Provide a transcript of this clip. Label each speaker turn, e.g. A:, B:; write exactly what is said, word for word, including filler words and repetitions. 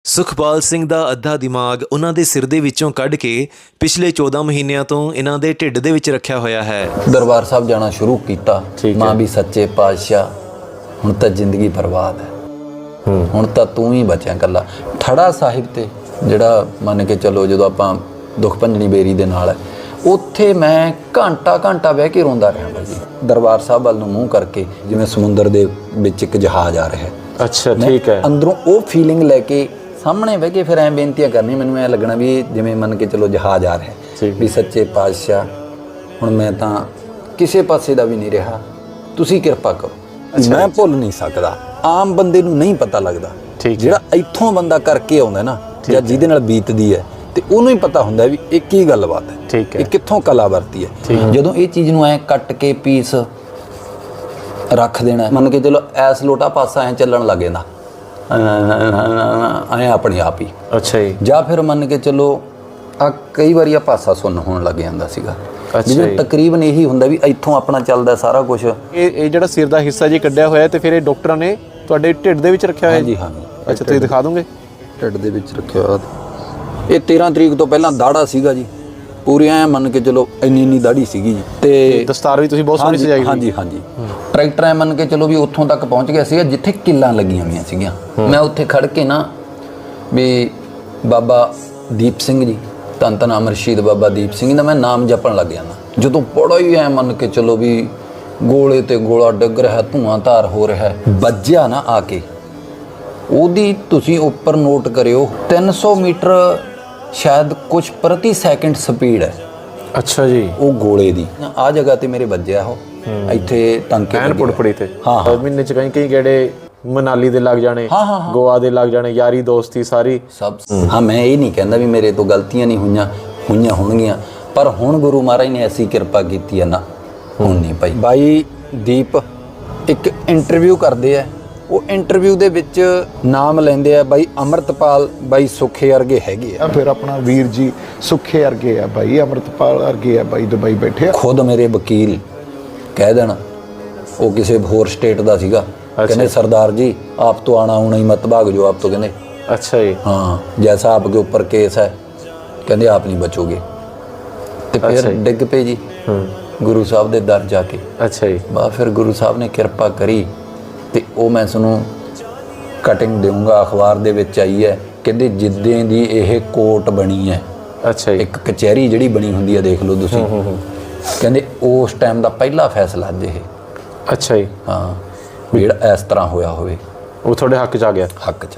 A: ਸੁਖਪਾਲ ਸਿੰਘ ਦਾ ਅੱਧਾ ਦਿਮਾਗ ਉਹਨਾਂ ਦੇ ਸਿਰ ਦੇ ਵਿੱਚੋਂ ਕੱਢ ਕੇ ਪਿਛਲੇ ਚੌਦਾਂ ਮਹੀਨਿਆਂ ਤੋਂ ਇਹਨਾਂ ਦੇ ਢਿੱਡ ਦੇ ਵਿੱਚ ਰੱਖਿਆ ਹੋਇਆ ਹੈ।
B: ਦਰਬਾਰ ਸਾਹਿਬ ਜਾਣਾ ਸ਼ੁਰੂ ਕੀਤਾ। ਮਾਂ ਵੀ ਸੱਚੇ ਪਾਤਸ਼ਾਹ ਹੁਣ ਤਾਂ ਜ਼ਿੰਦਗੀ ਬਰਬਾਦ ਹੈ, ਹੁਣ ਤਾਂ ਤੂੰ ਹੀ ਬਚਿਆ ਇਕੱਲਾ। ਠੜਾ ਸਾਹਿਬ ਤੇ ਜਿਹੜਾ ਮੰਨ ਕੇ ਚੱਲੋ ਜਦੋਂ ਆਪਾਂ ਦੁੱਖ ਭੰਜਣੀ ਬੇਰੀ ਦੇ ਨਾਲ ਹੈ, ਉੱਥੇ ਮੈਂ ਘੰਟਾ ਘੰਟਾ ਬਹਿ ਕੇ ਰੋਂਦਾ ਰਿਹਾ ਬਾਈ ਜੀ। ਦਰਬਾਰ ਸਾਹਿਬ ਵੱਲ ਨੂੰ ਮੂੰਹ ਕਰਕੇ ਜਿਵੇਂ ਸਮੁੰਦਰ ਦੇ ਵਿੱਚ ਇੱਕ ਜਹਾਜ਼ ਆ ਰਿਹਾ।
C: ਅੱਛਾ ਠੀਕ ਹੈ।
B: ਅੰਦਰੋਂ ਉਹ ਫੀਲਿੰਗ ਲੈ ਕੇ ਸਾਹਮਣੇ ਬਹਿ ਕੇ ਫਿਰ ਐਂ ਬੇਨਤੀਆਂ ਕਰਨੀ, ਮੈਨੂੰ ਐਂ ਲੱਗਣਾ ਵੀ ਜਿਵੇਂ ਮੰਨ ਕੇ ਚਲੋ ਜਹਾਜ਼ ਆ ਰਿਹਾ ਵੀ ਸੱਚੇ ਪਾਤਸ਼ਾਹ ਹੁਣ ਮੈਂ ਤਾਂ ਕਿਸੇ ਪਾਸੇ ਦਾ ਵੀ ਨਹੀਂ ਰਿਹਾ, ਤੁਸੀਂ ਕਿਰਪਾ ਕਰੋ। ਮੈਂ ਭੁੱਲ ਨਹੀਂ ਸਕਦਾ, ਆਮ ਬੰਦੇ ਨੂੰ ਨਹੀਂ ਪਤਾ ਲੱਗਦਾ। ਜਿਹੜਾ ਇੱਥੋਂ ਬੰਦਾ ਕਰਕੇ ਆਉਂਦਾ ਨਾ ਜਾਂ ਜਿਹਦੇ ਨਾਲ ਬੀਤਦੀ ਹੈ ਤੇ ਉਹਨੂੰ ਹੀ ਪਤਾ ਹੁੰਦਾ ਵੀ ਇਹ ਕੀ ਗੱਲਬਾਤ ਹੈ, ਇਹ ਕਿੱਥੋਂ ਕਲਾ ਵਰਤੀ ਹੈ। ਜਦੋਂ ਇਹ ਚੀਜ਼ ਨੂੰ ਐਂ ਕੱਟ ਕੇ ਪੀਸ ਰੱਖ ਦੇਣਾ, ਮੰਨ ਕੇ ਚਲੋ ਐਸ ਲੋਟਾ ਪਾਸਾ ਐਂ ਚੱਲਣ ਲੱਗ ਜਾਂਦਾ ਐਂ ਆਪਣੇ ਆਪ ਹੀ।
C: ਅੱਛਾ ਜੀ।
B: ਜਾਂ ਫਿਰ ਮੰਨ ਕੇ ਚਲੋ ਆ ਕਈ ਵਾਰੀ ਆ ਪਾਸਾ ਸੁੰਨ ਹੋਣ ਲੱਗ ਜਾਂਦਾ ਸੀਗਾ। ਜਿਵੇਂ ਤਕਰੀਬਨ ਇਹੀ ਹੁੰਦਾ ਵੀ ਇੱਥੋਂ ਆਪਣਾ ਚੱਲਦਾ ਸਾਰਾ ਕੁਝ।
C: ਇਹ ਇਹ ਜਿਹੜਾ ਸਿਰ ਦਾ ਹਿੱਸਾ ਜੀ ਕੱਢਿਆ ਹੋਇਆ ਤੇ ਫਿਰ ਇਹ ਡਾਕਟਰਾਂ ਨੇ ਤੁਹਾਡੇ ਢਿੱਡ ਦੇ ਵਿੱਚ ਰੱਖਿਆ ਹੋਇਆ
B: ਜੀ? ਹਾਂ।
C: ਅੱਛਾ ਤੁਸੀਂ ਦਿਖਾ ਦੋਗੇ?
B: ਢਿੱਡ ਦੇ ਵਿੱਚ ਰੱਖਿਆ ਹੋਇਆ। ਇਹ ਤੇਰਾਂ ਤਰੀਕ ਤੋਂ ਪਹਿਲਾਂ ਦਾੜਾ ਸੀਗਾ ਜੀ, ਪੂਰੀ ਐ ਮੰਨ ਕੇ ਚਲੋ ਇੰਨੀ ਇੰਨੀ ਦਾੜੀ ਸੀਗੀ ਜੀ। ਤੇ
C: ਦਸਤਾਰ ਵੀ ਤੁਸੀਂ ਬਹੁਤ ਸੋਹਣੀ ਸਜਾਈ।
B: ਹਾਂਜੀ ਹਾਂਜੀ। ਟਰੈਕਟਰ ਐ ਮੰਨ ਕੇ ਚਲੋ ਵੀ ਉੱਥੋਂ ਤੱਕ ਪਹੁੰਚ ਗਿਆ ਸੀਗਾ ਜਿੱਥੇ ਕਿੱਲਾਂ ਲੱਗੀਆਂ ਹੋਈਆਂ ਸੀਗੀਆਂ। ਮੈਂ ਉੱਥੇ ਖੜ ਕੇ ਨਾ ਵੀ ਬਾਬਾ ਦੀਪ ਸਿੰਘ ਜੀ, ਧੰਨ ਧੰਨ ਅਮਰ ਸ਼ਹੀਦ ਬਾਬਾ ਦੀਪ ਸਿੰਘ ਦਾ ਮੈਂ ਨਾਮ ਜਪਣ ਲੱਗ ਜਾਂਦਾ। ਜਦੋਂ ਬੜਾ ਹੀ ਐ ਮੰਨ ਕੇ ਚਲੋ ਵੀ ਗੋਲੇ ਤੇ ਗੋਲਾ ਡਿੱਗ ਰਿਹਾ, ਧੂਆਂ ਧਾਰ ਹੋ ਰਿਹਾ, ਵੱਜਿਆ ਨਾ ਆ ਕੇ ਉਹਦੀ ਤੁਸੀਂ ਉੱਪਰ ਨੋਟ ਕਰਿਓ ਤਿੰਨ ਸੌ ਮੀਟਰ ਸ਼ਾਇਦ ਕੁਛ ਪ੍ਰਤੀ ਸੈਕਿੰਡ ਸਪੀਡ ਹੈ।
C: ਅੱਛਾ ਜੀ।
B: ਉਹ ਗੋਲੇ ਦੀ ਆ ਜਗ੍ਹਾ ਤੇ ਮੇਰੇ ਵੱਜਿਆ ਉਹ ਇੱਥੇ ਟੰਕੇ
C: ਐਨ ਪੁੜਪੜੀ ਤੇ।
B: ਹਾਂ ਹਾਂ।
C: ਮਹੀਨੇ ਚ ਕਈ ਕਈ ਗੇੜੇ ਮਨਾਲੀ ਦੇ ਲੱਗ ਜਾਣੇ, ਗੋਆ ਦੇ ਲੱਗ ਜਾਣੇ, ਯਾਰੀ ਦੋਸਤੀ ਸਾਰੀ
B: ਸਭ। ਹਾਂ ਮੈਂ ਇਹ ਨਹੀਂ ਕਹਿੰਦਾ ਵੀ ਮੇਰੇ ਤੋਂ ਗਲਤੀਆਂ ਨਹੀਂ ਹੋਈਆਂ, ਹੋਈਆਂ ਹੋਣਗੀਆਂ, ਪਰ ਹੁਣ ਗੁਰੂ ਮਹਾਰਾਜ ਨੇ ਐਸੀ ਕਿਰਪਾ ਕੀਤੀ ਹੈ ਨਾ, ਹੁਣ ਨਹੀਂ ਭਾਈ। ਬਾਈ ਦੀਪ ਇੱਕ ਇੰਟਰਵਿਊ ਕਰਦੇ ਆ, ਉਹ ਇੰਟਰਵਿਊ ਦੇ ਵਿੱਚ ਨਾਮ ਲੈਂਦੇ ਆ ਬਾਈ ਅੰਮ੍ਰਿਤਪਾਲ, ਬਾਈ ਸੁੱਖੇ ਵਰਗੇ ਹੈਗੇ ਆ।
D: ਫਿਰ ਆਪਣਾ ਵੀਰ ਜੀ ਸੁੱਖੇ ਵਰਗੇ ਆ ਬਾਈ, ਅੰਮ੍ਰਿਤਪਾਲ ਵਰਗੇ ਆ ਬਾਈ, ਦੁਬਈ ਬੈਠੇ ਆ।
B: ਖੁਦ ਮੇਰੇ ਵਕੀਲ ਕਹਿ ਦੇਣ, ਉਹ ਕਿਸੇ ਹੋਰ ਸਟੇਟ ਦਾ ਸੀਗਾ, ਕਹਿੰਦੇ सरदार जी आप तो आना होना ही मत भाग जो आप तो कहते।
C: अच्छा जी।
B: हाँ जैसा आपके ऊपर केस है कहते आप नहीं बचोगे। तो फिर डिग पे जी गुरु साहब दे दर जाके।
C: अच्छा जी।
B: बा फिर गुरु साहब ने किरपा करी ते ओ मैं सुनू कटिंग दूंगा अखबार दे विच आई है, कहते जिद्दें दी यह कोर्ट बनी है।
C: अच्छा जी।
B: एक कचहरी जिहड़ी बनी हुंदी है देख लो तुसीं, कहते उस टाइम दा पहला फैसला अज ये।
C: अच्छा जी।
B: हाँ ਜਿਹੜਾ ਇਸ ਤਰ੍ਹਾਂ ਹੋਇਆ ਹੋਵੇ
C: ਉਹ ਤੁਹਾਡੇ ਹੱਕ 'ਚ ਆ ਗਿਆ।
B: ਹੱਕ 'ਚ